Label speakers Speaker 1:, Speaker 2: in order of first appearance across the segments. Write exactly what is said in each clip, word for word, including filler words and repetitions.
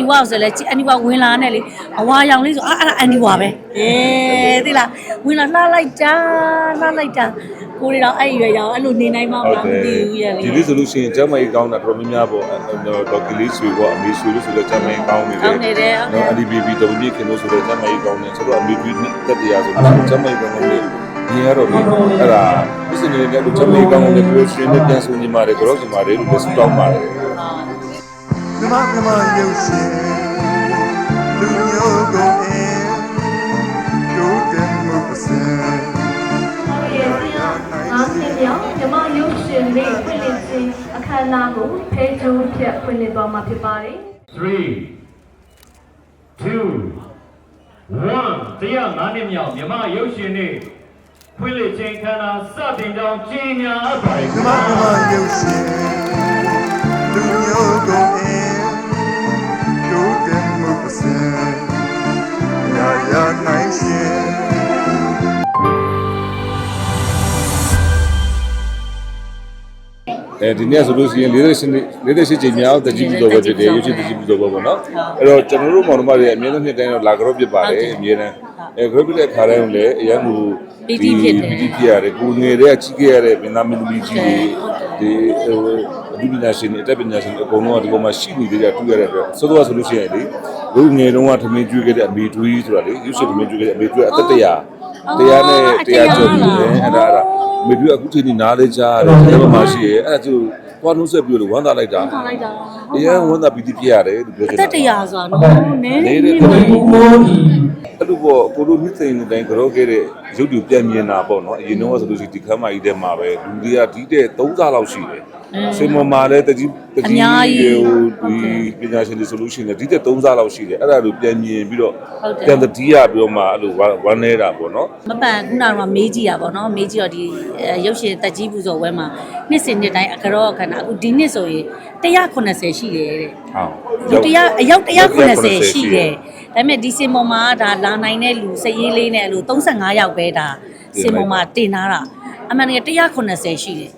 Speaker 1: ဝါဆိုလဲအန်ဒီဝါဝင်လာနဲ့လေအဝါရောင်လေးဆိုအာအဲ့ဒါအန်ဒီဝါပဲအေးသိလားဝင်လာလှလိုက်တာလှလိုက်တာကိုရီတော့အဲ့ရွယ်ရောင်အဲ့လိုနေနိုင်မှာမသိဘူးရဲ့လေ
Speaker 2: ဒီလိုဆိုလို့ရှိရင်ကျမကြီးကောင်းတာတော်များများပေါ့ဒေါက်ကလေးဆွေပေါ့အမေဆွေလို့ဆိုတော့ကျမကြီးကောင်းနေတယ်
Speaker 1: ကောင်းနေတယ်ဟုတ်တယ်
Speaker 2: အဒီဘီဘီတော်မြင့်ခင်လို့ဆိုတော့ကျမကြီးကောင်းနေဆိုတော့အမေပြီးတက်တရားဆိုတော့ကျမကြီးကောင်းနေတယ်ဒီကတော့လေအဲ့ဒါပြည်စင်နေတဲ့ကျမကြီးကောင်းနေတယ်ပြောရှင်နဲ့ပြန်ဆိုညီမတွေကြောညီမတွေလို့စတောင်းပါတယ်
Speaker 3: မြမမြမရုပ်ရှင်လူမျိုးကုန်အင်းတို့တယ်မှုပစံ
Speaker 4: အားဖြင့်မြောက်မြမရုပ်ရှင်လေးဖွင့်လှစ်ခြင်းအခမ်းအနားကိုဖေးကျိုးဖြတ်ဖွင့်လှစ်သွားမှာဖြစ်ပါတယ်
Speaker 5: three two one တရားငါးနှစ်မြောက်မြမရုပ်ရှင်လေးဖွင့်လှစ်ခြင်းအခမ်းအနားစတင်ကြောင်းကြီးညာအပ်ပါတယ်
Speaker 3: မြမမြမရုပ်ရှင်လူမျိုးကုန်အင်းတို့တယ်မှုပစံရာရာနိုင်ရှင်
Speaker 2: အဲဒီနေ့ဆိုလို့ရှိရင်၄၈၄၈ချိန်မြောက်တကြီးပူတော်ပဲဖြစ်တယ်ရုပ်ရှင်တကြီးပူတော်ပဲပေါ့နော်အဲ့တော့ကျွန်တော်တို့မောင်နှမတွေအမြဲတမ်းနှစ်တိုင်းတော့လာကြော့ဖြစ်ပါတယ်အမြဲတမ်းအဲကြော့ပြတဲ့ခါတိုင်းလည်းအရန်ကို
Speaker 1: ပီတီဖြစ်တယ်
Speaker 2: ပီတီဖြစ်ရတယ်ကိုငယ်တဲ့ချီးခဲ့ရတဲ့မင်းသားမင်းသမီးကြီးတွေဒီဟိုအဒီပညာရှင်တွေအတက်ပညာရှင်တွေအကုန်လုံးကဒီပေါ်မှာရှိနေကြတာတွေ့ရတဲ့အတွက်ဆိုတော့ဆိုလို့ရှိရင်လေလူငယ်တုန်းကထမင်းကျွေးခဲ့တဲ့အမေတွေးဆိုတာလေရုပ်ရှင်ထမင်းကျွေးခဲ့တဲ့အမေတွေးအသက်တရာတရားနဲ့တရားကျော်ပြီးတယ်အဲ့ဒါအဲ့ဒါမေပြအခုချိန်นี้နားလေးကြားရတယ်ဒီလိုမှရှိရဲအဲ့ဒါသူသွားနှုတ်ဆက်ပြီးလို့ဝမ်းသာလိုက်တာ
Speaker 1: ဝမ်းသာလိုက်တာ
Speaker 2: တရားဝမ်းသာပြီးပြရတယ်လို့ပြောချင်တာ
Speaker 1: တက်တရားဆိုတာနော်နည်းနည်းလေး
Speaker 2: အဲ့လိုပေါ့ကိုလိုနှစ်သိန်းတိုင်းကြောခဲ့တဲ့ရုပ်တူပြန်မြင်တာပေါ့နော်အရင်တော့ဆိုလို့ရှိရင်ဒီခမ်းမကြီးထဲမှာပဲလူတွေကဒီတဲ့သုံးစားလောက်ရှိတယ်စင်မမာလည်းတကြီးတကြီးဟိုဒီပညာရှင်တွေဆိုလို့ရှိရင်ဒီတဲ့သုံးစားလောက်ရှိတယ်အဲ့ဒါလိုပြန်မြင်ပြီးတော့ပြန်တတိယပြီးတော့မှအဲ့လိုဝမ်းနေတာပေါ့နော်
Speaker 1: မပန်ခုနကတော့မေးကြည့်တာပေါ့နော်မေးကြည့်တော့ဒီရုပ်ရှင်တက်ကြီးပူဇော်ဝဲမှာနှစ်စဉ်နှစ်တိုင်းအကြောအခဏအခုဒီနှစ်ဆိုရင်one hundred eightyရှိတယ်တဲ့ဟုတ်တရားအယောက်one hundred eightyရှိတယ်ဒါပေမဲ့ဒီစင်ပေါ်မှာဒါလာနိုင်တဲ့လူစရေးလေးနဲ့အဲ့လိုthirty-fiveယောက်ပဲဒါစင်ပေါ်မှာတင်ထားတာအမှန်တကယ်one hundred eightyရှိတယ်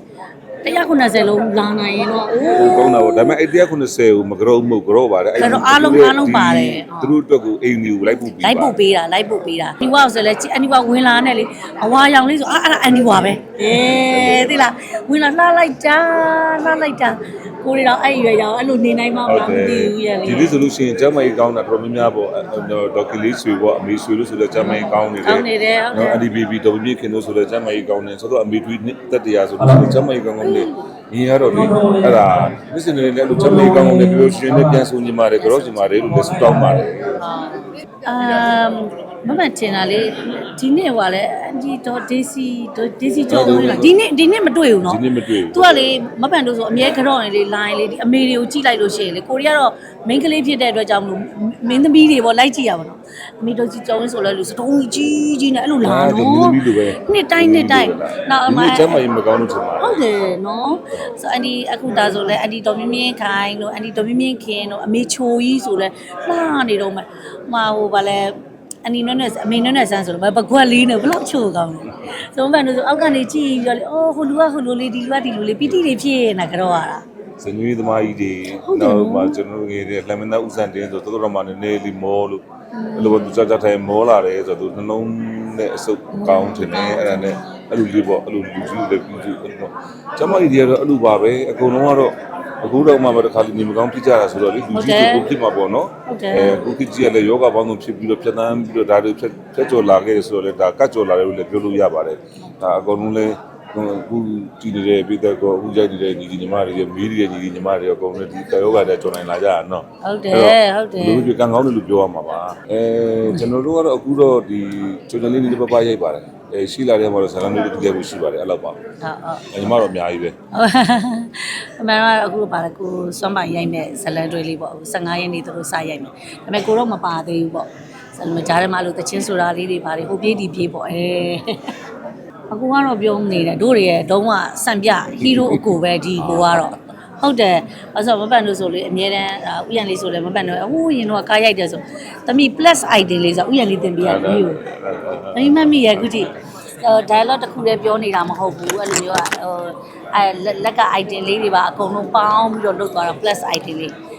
Speaker 1: one hundred eightyလုံးလာနိုင်ရင်တော့အိုး
Speaker 2: ကောင်းတာပေါ့ဒါပေမဲ့အဲ့one hundred eightyကိုမကြောက်မှုကြောက်ပါတယ်
Speaker 1: အဲ့တော့အားလုံးအားလုံးပါတယ်
Speaker 2: သူတို့အတွက်ကိုအိမ်မျိုးလိုက်ပို့ပေး
Speaker 1: လိုက်ပို့ပေးတာလိုက်ပို့ပေးတာဒီဝါဆိုလဲအန်ဒီဝါဝင်လာနဲ့လေအဝါရောင်လေးဆိုအာအဲ့ဒါအန်ဒီဝါပဲအေးသိလားဝင်လာလှလိုက်တာလှလိုက်တာကိုရီတော့အဲ့ရွယ်ရောင်အဲ့လိုနေနိုင်မှာမသိဘူးရဲ့လေ
Speaker 2: ဒီလိုဆိုလို့ရှိရင်ကျမကြီးကောင်းတာတော်များများပေါ့ဒေါက်ကလေးဆွေပေါ့အမေဆွေလို့ဆိုတော့ကျမကြီးကောင်းနေတယ်
Speaker 1: ကောင်းနေတယ်ဟုတ်တယ်
Speaker 2: အဒီဘီဘီတော်မြင့်ခင်လို့ဆိုတော့ကျမကြီးကောင်းနေဆိုတော့အမေတွေတက်တရားဆိုတော့ကျမကြီးကောင်းကောင်းနေညီရတော့လေအဲ့ဒါပြည်စင်နေတဲ့လူကျမကြီးကောင်းကောင်းနေပြောရှင်နဲ့ပြန်ဆိုညီမတွေကြောညီမတွေလို့လည်းစတောင်းပါတယ်
Speaker 1: အမ်မမတင်တာလေဒီနေ့ဟိုကလေအန်ဒီတော့ဒေစီဒေစီကျော်လို့လားဒီနေ့ဒီနေ့မတွေ့ဘူးနော်
Speaker 2: ဒီနေ့မတွေ့ဘူး
Speaker 1: तू ကလေမပန်တို့ဆိုအမြဲကြော့နေလေ line လေဒီအမေတွေကိုကြည့်လိုက်လို့ရှိရင်လေကိုရီကတော့ main ကလေးဖြစ်တဲ့အတွက်ကြောင့်မလို့မင်းသမီးတွေပေါ့လိုက်ကြည့်ရပါတော့အမေတို့ကြီးကျော်ဝင်ဆိုလဲလို့စတုံးကြီးကြီးနဲ့အဲ့လိုလာနော်နှစ်တိုင်းနှစ်တိုင်းနောက်အမ
Speaker 2: ကျမကြီးမကောင်းလို့ထင်ပါ
Speaker 1: ဟုတ်တယ်နော်ဆိုအန်ဒီအခုဒါဆိုလဲအန်ဒီတော်မြင့်မြင့်ခိုင်လို့အန်ဒီတော်မြင့်မြင့်ခင်တို့အမေချိုကြီးဆိုလဲလှနေတော့မှဟိုဟိုဗာလဲအနီနွနဲ့အမေနွနဲ့ဆန်းဆိုတော့ဘကွက်လေးနဲ့ဘလောက်ချိုကောင်းလဲဆိုမှန်လို့ဆိုအောက်ကနေကြည့်ပြီးတော့လေအော်ဟိုလူကဟိုလူလေးဒီလူကဒီလူလေးပီတိတွေဖြစ်နေတာကြောရတာ
Speaker 2: စညွေးသမားကြီးတွေနောက်မှကျွန်တော်ငယ်တဲ့လက်မသားဥစံတင်းဆိုတော်တော်မှနည်းနည်းလေးမောလို့အဲ့လိုသူကြကြထိုင်မောလာတယ်ဆိုတော့သူနှလုံးနဲ့အဆုပ်ကောင်းတယ်အဲ့ဒါနဲ့အဲ့လိုလေးပေါ့အဲ့လိုလူကြီးလည်းပြီးပြီးအဲ့လိုကျမကြီးတွေကတော့အဲ့လိုပါပဲအကုန်လုံးကတော့အခုတော့မှတခါလေးနေမကောင်းဖြစ်ကြတာဆိုတော့လေလူကြီးကိုဖြစ်မှာပေါ့နော်အဲခုခေတ်ကြီးကလည်းယောဂပေါင်းစုံဖြစ်ပြီးတော့ဖြတ်သန်းပြီးတော့ဒါတွေဖြတ်ဖြတ်ကျော်လာခဲ့တယ်ဆိုတော့လေဒါကတ်ကျော်လာတယ်လို့လည်းပြောလို့ရပါတယ်ဒါအကုန်လုံးလည်းအခုကြည့်နေတဲ့ပြည်သက်ကောအခုကြိုက်နေတဲ့ညီညီညီမတွေမီးတွေညီညီညီမတွေအကုန်လုံးဒီကာယောဂတဲ့ကျော်နိုင်လာကြတာနော်
Speaker 1: ဟုတ်တယ်ဟုတ်တယ်
Speaker 2: လူတွေကံကောင်းတယ်လို့ပြောရမှာပါအဲကျွန်တော်တို့ကတော့အခုတော့ဒီချိုချန်လေးလေးပပရိုက်ပါတယ်အဲရှိလာတဲ့မှာတော့ဇာလန်လေးတွေကြည့်ရဖို့ရှိပါတယ်အဲ့လောက်ပါဟုတ်ဟုတ်ညီမတော့အများကြီးပဲ
Speaker 1: အမှန်တော့အခုပါလေကိုစွမ်းပိုင်ရိုက်မဲ့ဇလန်တွေလေးပေါ့fifteenရက်နေ့သူတို့စရိုက်မယ်ဒါပေမဲ့ကိုတော့မပါသေးဘူးပေါ့ဇလန်ကြားထဲမှာလို့တချင်းဆိုတာလေးတွေပါတယ်ဟိုပြေးဒီပြေးပေါ့အဲအခုကတော့ပြောနေတယ်တို့တွေရဲ့တုံးကစံပြဟီးရိုးအကိုပဲဒီကိုကတော့ဟုတ်တယ်အဲ့ဆိုမပန်လို့ဆိုလေအမြဲတမ်းဥယျာဉ်လေးဆိုလေမပန်တော့ဟိုးရင်တော့ကားရိုက်တယ်ဆိုသမီး plus item လေးဆိုဥယျာဉ်လေးတင်ပြရပြီ။သမီးမမီရဲ့ခုတိ dialogue တစ်ခုတည်းပြောနေတာမဟုတ်ဘူးအဲ့လိုမျိုးကဟိုအဲလက်က item လေးတွေပါအကုန်လုံးပေါင်းပြီးတော့လုပ်သွားတာ plus item လေး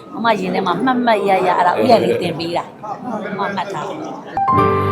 Speaker 1: မမရင်ထဲမှာမှတ်မှတ်ရရအဲ့ဒါဥရလေးတင်ပေးတာမမမှတ်ထားတယ်